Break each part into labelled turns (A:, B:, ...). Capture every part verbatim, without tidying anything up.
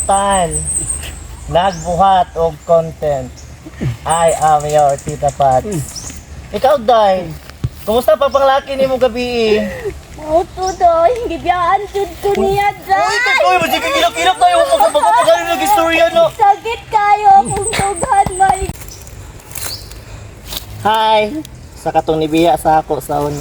A: Tan, nagbuhat og content. I am your Tita Pat. Ikaw, Day, kumusta pa panglaki ni mo gabi?
B: Auto doy, gibiyaan jud ko niya
A: Uy,
B: dai.
A: katoy, mas ikakilak-kilak tayo. Magpapagaling nag-istorya, no?
B: Sakit kayo kung tughan may.
A: Hi! Sa katong nibiya sa ako sa una.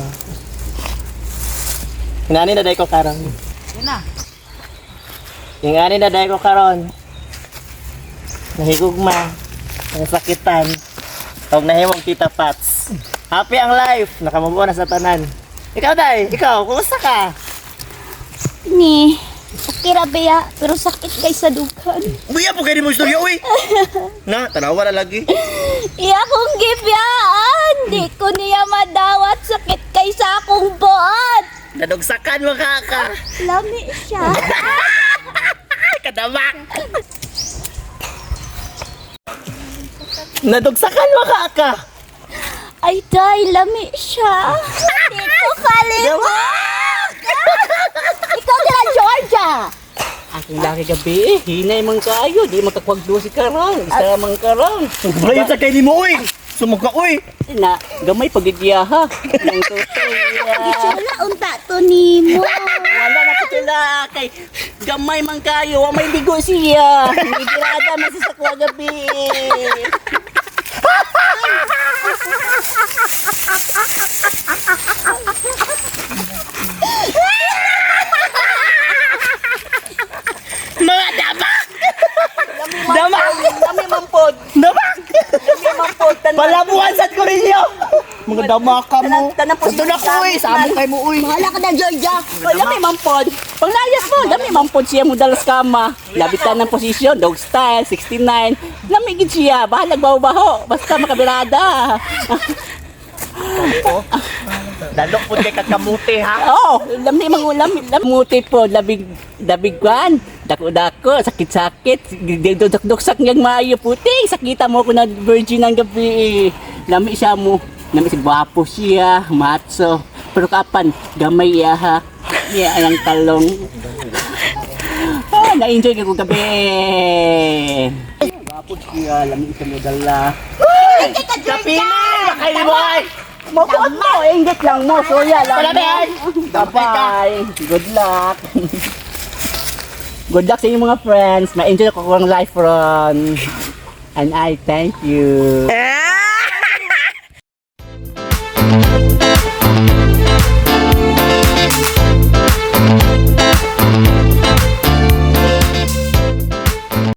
A: Hinani na day ko karon.
C: Yan na.
A: Hinani na day ko karon. Nahigugma. Nasakitan. Huwag nahimong Tita Pats. Happy ang life. Nakamubo na sa tanan. Ikaw, Day. Ikaw, kumusta ka?
B: Ni, okay ra beya, pero sakit kay sa dughan.
A: Uy, po kayo mo istorya, uy! Na, tanawa na lagi.
B: Iya kong gibiyaan, di ko niya madawat, sakit kay sa akong buot.
A: Nadugsakan mo ka ka.
B: Lami siya.
A: Kadamang! Nadugsakan mo ka ka.
B: Ay, day, lami siya. Di ko kalimut. Ikaw nila, Georgia.
C: Aking laki gabi eh. Hinay man kayo. Di makakwagdo si Karang. Isa man Karang.
A: Bayan sa kayo mo, uy! Sumugka, uy!
C: Na, gamay pagidyaha. Nang tutoy.
B: Gichula, unta to nimo.
C: Wala na ko sila. Kay gamay man kayo. Wa may ligo siya. Nigirada man siya sa kwa gabi.
A: Mga damak! Damak!
C: Kami mampod.
A: Damak!
C: Kami mampod.
A: Palabuhan sa Korinyo! Mga damak ka mo.
C: Tanan po
A: Ito na ko, uy! Samo kay mo, uy!
B: Bahala ka na, Georgia.
C: O, dami mampod. Pag naayas mo, dami mampod siya mo dalas kama. Labitan ng posisyon, dog style, sixty-nine. Lamigid siya, bahalag baho-baho. Basta makabirada.
A: Dalok po kay kakamuti, ha?
C: Oo, lami mga ulam. Lamuti po, labig, labigwan. Dako-dako, sakit-sakit. Dudok-duksak niyang maayo puting. Sakita mo ko na virgin ng gabi. Lami siya mo. Lami si gwapo siya, matso. Pero kapan, gamay ya ha. Yan ang talong. Ah, na-enjoy ko gabi. Gwapo siya, lami siya mo dala.
A: Kapili! Makay mo, ay!
C: Mukot mo, inggit lang mo. Soya lang.
A: Palabay!
C: Bye-bye. Good luck. Good luck sa inyong mga friends. Ma-enjoy ko ang life ron. And I thank you.
A: Eh!